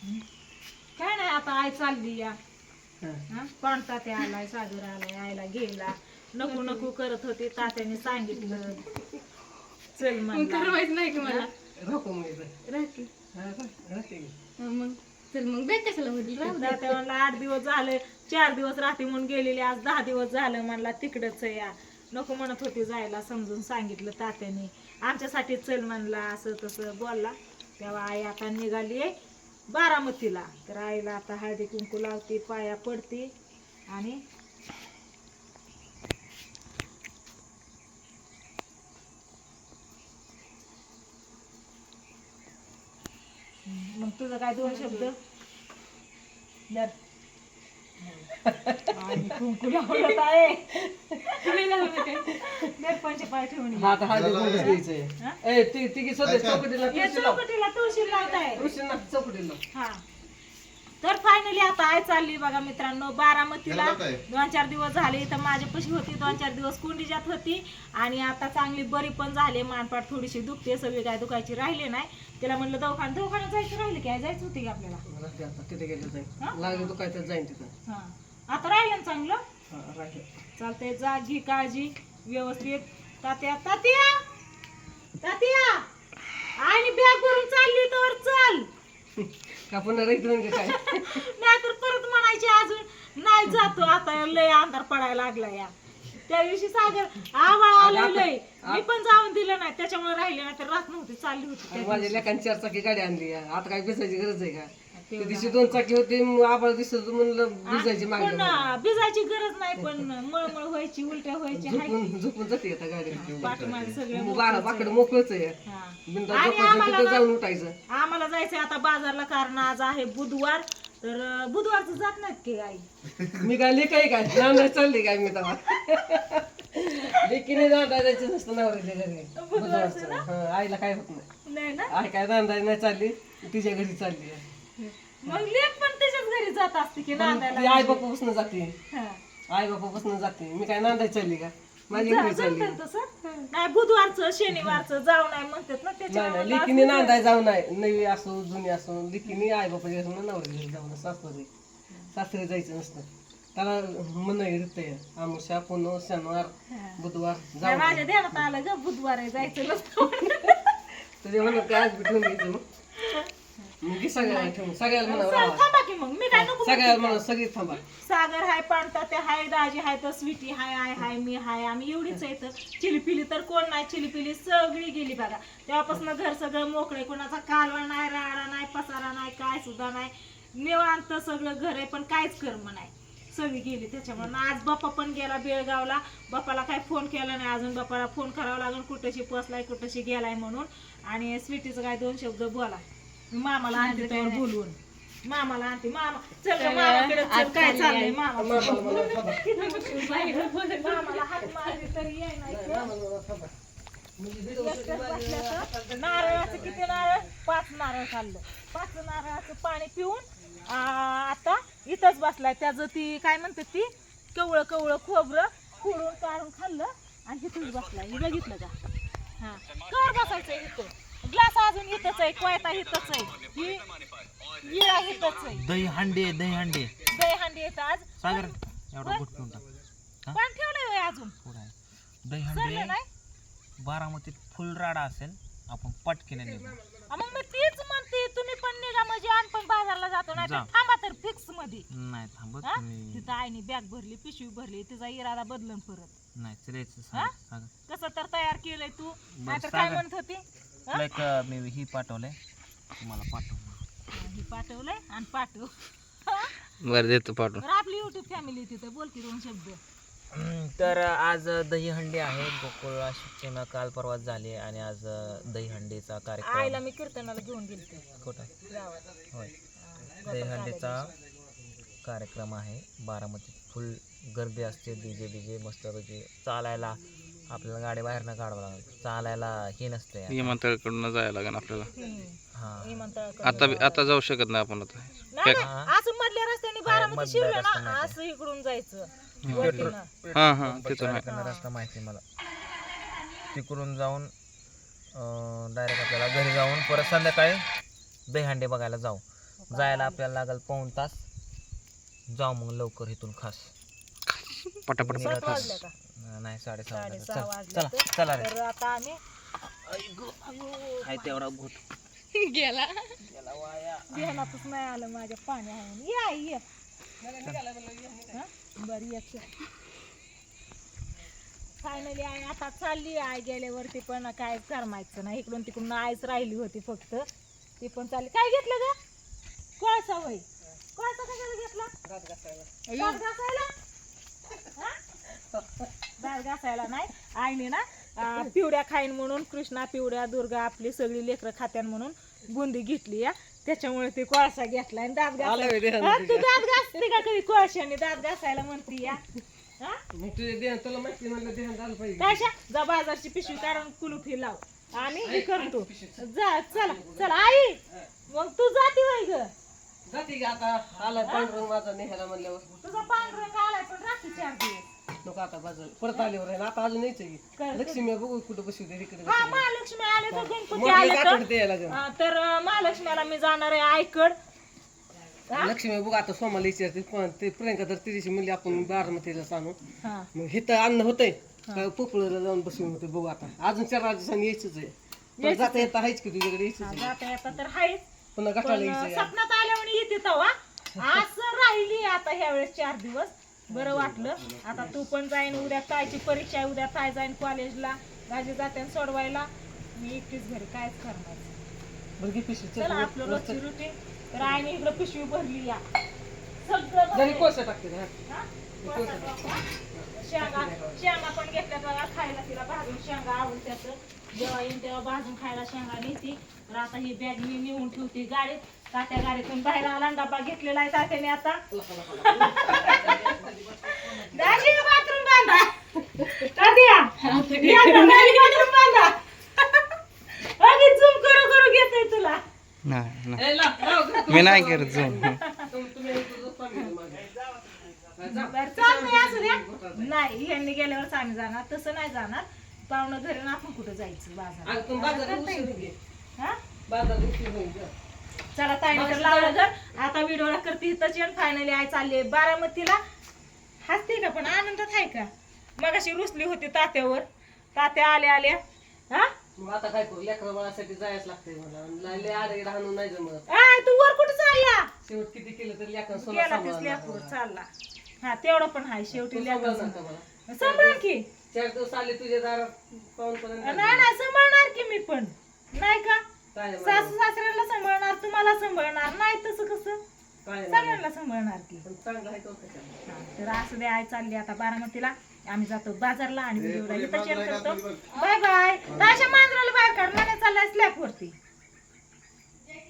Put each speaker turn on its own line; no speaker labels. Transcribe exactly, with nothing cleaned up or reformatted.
काय नाही आता आई चालली या कोणता ते आलाय सागर आलाय आईला गेला नको नको करत होती तात्याने सांगितलं चल म्हणला
माहित नाही की मला
राहतो मग इथं.
राहते
हा, राह- राहते की.
मग चल मग बेट कशाला होती राहू दे.
तात्या म्हणला आठ दिवस झाले चार दिवस राहते म्हणून गेलेली आज दहा दिवस झालं म्हणला तिकडच या नको म्हणत होती जायला समजून सांगितलं तात्याने आमच्यासाठी चल म्हणला असं तसं बोलला तेव्हा आई आता निघाली बारामतीला तर आईला आता हळदी कुंकू लावते पाया पडते आणि मग तुझं काय दोन शब्द दर. आणि कुंकू लावलं आहे
तुम्ही लावलं काय
दर्पणचे पाय ठेवून ये.
हा, आता हळदी कुंकूच द्यायचंय.
हा?
ए, ती- ती की स्वतः चौकटीला
या
तुळशी लाव.
चौकटीला तुळशी लावताय
तुळशी ना, चौकटीला.
हा तर फायनली आता आई चालली बघा मित्रांनो बारामतीला दोन चार दिवस झाले तर माझ्यापाशी होती दोन चार दिवस कुंडीजात होती आणि आता चांगली बरी पण झाली मानपाट थोडीशी दुखते सगळी काय दुखायची राहिले नाही तिला म्हणलं दवाखान्यात दवाखान्यात जायचं राहिलं काय जायचं होती का आपल्याला
राहते आता, तिथे गेलं
हा?
जाईल. लागलं तर काय तर जाईन तिथं.
हा आता राहिलं ना चांगलं
हा, राहते.
चालतंय जा घे काळजी व्यवस्थित तात्या तात्या तात्या आणि बॅग भरून चालली तर चल
का पुन्हा राहत नाही का काय?
नाहीतर परत म्हणायचे अजून नाही जातो आता लय अंधार पडायला लागला या त्या दिवशी सागर आवाळ आलं लय मी पण जाऊन दिलं नाही त्याच्यामुळे राहिले नाही तर रात नव्हती चालली होती त्या
आणि माझ्या लेकांनी चार चाकी गाडी आणली आहे. आता काय भिजायची गरज आहे का?
दिवशी.
त्या दिवशी दोन चाकी होती मग आबाळ दिसत होतं म्हणलं भिजायची
पण
मागणी
ना, भिजायची गरज नाही पण मळमळ व्हायची उलट्या व्हायची हाय
झोपून झोपून जाते आता गाडी.
पाठीमागे सगळे
मग बारा बाकडे मोकळच आहे.
हा.
बिनधास्त
आणि
झोपायचं
आम्हाला
तिथं
ना-
जाऊन उठायचं.
आम्हाला जायचंय आता बाजारला कारण आज आहे बुधवार तर अं, बुधवारचं जात नाहीत की आई
मी काय लेखाय काय नांदाय चालली काय मी तेव्हा लेकीने नांदाय जायचं नसतं नवऱ्याच्या घरी बुधवारचं. हं, आईला काय होत नाही.
नाही ना
आई काय नांदाय नाही चालली तिच्या घरी चालली आहे.
मग लेक पण त्याच्याच घरी जात असते की
ती आई
नांदायला
बापापासून जाते
हा.
आई बापापासून जाते मी काय नांदाय चालली का माझ्या घरी चालली.
जमतं तसं नाही बुधवारचं शनिवारचं जाऊ नाही म्हणतात ना
नाही नाही
त्याच्यामुळे
लेकीने नांदाय जाऊ नाही नवी असो जुनी असो लेकीने आई बापाच्या घरी नवऱ्या घरी जाऊ सासरे सासरे जायचं नसतं त्याला मन येते आमुषा पुन्हा शनिवार बुधवार
नाही,
जाऊ
माझ्या ध्यानात आलं ग बुधवार आहे जायचं नसतं
तुझ्या म्हणून काय आज भेटून घ्यायचं मग मग सगळ्याला ठेवून सगळ्याला म्हणावं
चल,
राहा.
थांबा की मग मी काय नको
सगळ्याला म्हणा सगळी थांबा
सागर हाय पाणता ते हाय दाजी हाय तर स्वीटी हाय आय हाय मी हाय आम्ही एवढीच आहे तर चिलीपिली तर कोण नाही चिलीपिली सगळी गेली बघा तेव्हापासून घर सगळं मोकळे कोणाचा कालवा नाही राडा नाही पसारा नाही काय सुद्धा नाही निवांत सगळं घर आहे पण काहीच कर्म नाही सगळी गेली त्याच्यामुळे आज बाप्पा पण गेला बेळगावला बाप्पाला काय फोन केला नाही अजून बाप्पाला फोन करावा लागेल कुठेशी पोचलाय कुठेशी गेलाय म्हणून आणि स्वीटीचं काय दोन शब्द बोला मी मामाला आणते त्यावर बोलवून मामाला आणते मामा चल ग मामाकडे चल काय चाललंय मामा मामाला हात मारली तरी येई नाही नारळाचं किती नारळ पाच नारळ खाल्लं पाच नारळाचं पाणी पिऊन आ, आता इथंच बसलाय त्याचं ती काय म्हणतात ती कवळं कवळं खोबरं फोडून काढून खाल्लं आणि इथंच बसलाय हे बघितलं का हा कर बसायचं इथं ग्लास अजून इथंच आहे कोयता इथंच आहे ही विळा इथंच आहे
दही हांडे दही हांडे
दही हांडी येतं आज
सागर एवढा गुट पिऊन टाक हा?
पण ठेवलंय होय अजून
थोडा आहे. दही
सरलं
हांडे
नाही
बारामतीत फुल राडा असेल आपण पटकीने निघू
आ, मग मी तीच म्हणते तुम्ही पण निघा म्हणजे आम्ही पण बाजारला जातो नाही तर
जा.
थांबा तर फिक्स मध्ये
नाही थांबत
हा?
मी
तिथं आईने बॅग भरली पिशवी भरली तिचा इरादा बदलून परत
नाही चलायचं
हा?
सागर सागर
कसं तर तयार केलंय तू नाहीतर काय
सागर.
म्हणत होती हा?
तुला एक मी ही पाठवलंय तुम्हाला पाठव
हे पाठवलंय आणि पाठव
बरं देतो पाठवून
तर आपली युट्यूब फॅमिली तिथं बोल की दोन शब्द
तर आज दहीहंडी आहे गोकुळ शिक्षण काल परवाच झाले आणि आज दहीहंडीचा
आईला
कार्यक्रम
मी कीर्तनाला घेऊन गेलते
कुठं
गावात
होय
हा,
दहीहंडीचा कार्यक्रम आहे बारामतीत फुल गर्दी असते डीजे बीजे मस्तपैकी चालायला आपल्याला गाडी बाहेरनं काढावं लागेल चालायला हे नसते
विमानतळाकडून जायला लागेल आपल्याला
हम्म.
हा
विमानतळाकडे
आता आता जाऊ शकत नाही आपण आता
नाही नाही,
हा.
असं मधल्या रस्त्याने बारामती
मधल्या
शिवलं
रस्त्याने
ना
माहिती.
असं इकडून जायचं
पेट्रोल
वरतीनं.
हा हा तिथून आहे.
तिकडनं रस्ता माहिती आहे मला तिकडून जाऊन डायरेक्ट आपल्याला घरी जाऊन परत संध्याकाळी दहीहंडी बघायला जाऊ जायला आपल्याला लागेल पाऊण तास. जाऊ मग लवकर इथून खास.
पटापट
निघा
सात
खास.
वाजल्या का?
नाही साडेसहा वाजले.
साडेसहा
चल
वाजले
चला
तर.
चला रे.
तर आता आम्ही
हाय तेवढा घुट
गेला
ध्यानातच नाही आलं माझ्या पाणी आहे म्हणून. या ये हा? बरं येते फायनली आई आता चालली. आई गेल्यावरती पण काय करमायचं नाही. इकडून तिकडून आईच राहिली होती फक्त. ती पण चालली. काय घेतलं ग? कोळसा वय कोळसा कशाला घेतला?
दात घासायला.
दात घासायला हा? दात घासायला नाही. आईने ना अं, पिवड्या खाईन म्हणून कृष्णा पिवड्या दुर्गा आपली सगळी लेकरं खात्यान म्हणून बुंदी घेतली या. त्याच्यामुळे ते कोळसा घेतलाय आणि दात
आलं
घासायला.
होय ध्यान
हा,
तुझ्या.
तू दात घासते का कधी कोळशाने दात घासायला म्हणती या हा?
मग तुझे ध्यान तुला माहिती म्हणलं ध्यान झालं पाहिजे.
कायशा जा बाजारची पिशवी काढून कुलूप ही लाव आणि हे करतो. जा चला चला आई मग तू जाती वय ग.
जाते की आता आला पांढरंग माझा नेहायला म्हणल्यावर
तुझा पांढरंग आलाय पण राखी चार दिवस.
नको आता बाजूला परत आल्यावर आहे ना. आता अजून यायचं की
कर-
लक्ष्मी बघू कुठं बसू दे इकडे
हा महालक्ष्मी आले तर गणपती
मोठे
आले
आठवड
तर
द्यायला लागेल.
हा, तर अं, महालक्ष्मीला मी जाणार आहे आईकड. हा?
लक्ष्मी बघू आता सोमाला विचारते पण ते प्रियंका तर तिची म्हणली आपण बारामतीला सांगू.
हा
मग हे तर अन्न होतंय काय पोपळला जाऊन बसून होते बघू आता. अजून चार दिवसांनी यायचंच आहे. पण जाता येता आहेच की तुझ्याकडे यायचंच
हा,
आहे.
जाता येता तर हायच
पुन्हा गटाला
पण
यायचं आहे.
सपनात आल्यावर येते तवा असं राहिली आता ह्या वेळेस चार दिवस. बरं वाटलं. आता तू पण जाईन. उद्या ताईची परीक्षा आहे. उद्या ताई जाईन कॉलेजला. माझी जाते सोडवायला. मी एकटीच घरी कायच करणार.
बरं घे पिशवी, चल.
चला आपलं रोजची रुटीन. तर आईने इकडं पिशवी भरली या सगळं
घरी
भरलंय.
कोळसा टाकते ना.
हा? कोळसा टाका. शेंगा शेंगा पण घेतल्या बघा खायला. तिला भाजून शेंगा आवडत्यात. जेव्हा येईन तेव्हा भाजून खायला शेंगा नेते. तर आता ही बॅग मी नेऊन ठेवते गाडीत. तात्या गाडीतून बाहेर आला आणि डबा घेतलेला आहे तात्याने आता. दाजी बाथरूम बांधा. तात्या बाथरूम बांधा. अगदी झूम करू करू घेतोय तुला.
नाही नाही.
ए, लाव, लाव, घे.
मी नाही करत जाऊन.
तुम- तुम्ही तुझं family मागे.
बरं, चालतंय असू द्या. नाही यांनी गेल्यावरच आम्ही जाणार. तसं नाही जाणार. पाहुणं घरी ना आपण कुठं जायचं बाजार.
अगं, तुम्ही बाजारात
करता येईल.
उशीर घे.
हा?
बाजारात उशीर होईल गं.
चला ताईने तर लावलं घर. आता व्हिडिओला करते इथंच. फायनली आई चालली बारामतीला. हसते का पण आनंदात आहे का? मगाशी रुसली होती तात्यावर. तात्या आल्या आल्या हा
मग आता काय करू लेकरा बाळासाठी जायच लागतंय मला. लय आडे राहणं नाही जमत.
आय तू वर कुठं चालला?
शेवट किती केलं तरी लेकरं सोनं
गेला
सांभाळणार
तीच लेकरू
मला.
चालला. हा तेवढं पण आहे शेवटी
तू
लेकरू
सांभाळणार का मला?
सांभाळ की.
चार दिवस आले तुझ्या दारात पाहून पर्यंत
नाही नाही सांभाळणार की मी पण. नाही का
काय नाही
सासू सासऱ्याला सांभाळणार. तुम्हाला सांभाळणार. नाही तसं कसं
काय नाही.
सगळ्यांना सांभाळणार की.
पण चांगलं आहे तो कशाला.
हा, तर असू दे आई चालली आता बारामतीला. आम्ही जातो बाजारला आणि व्हिडिओला इथं शेअर करतो. Bye bye.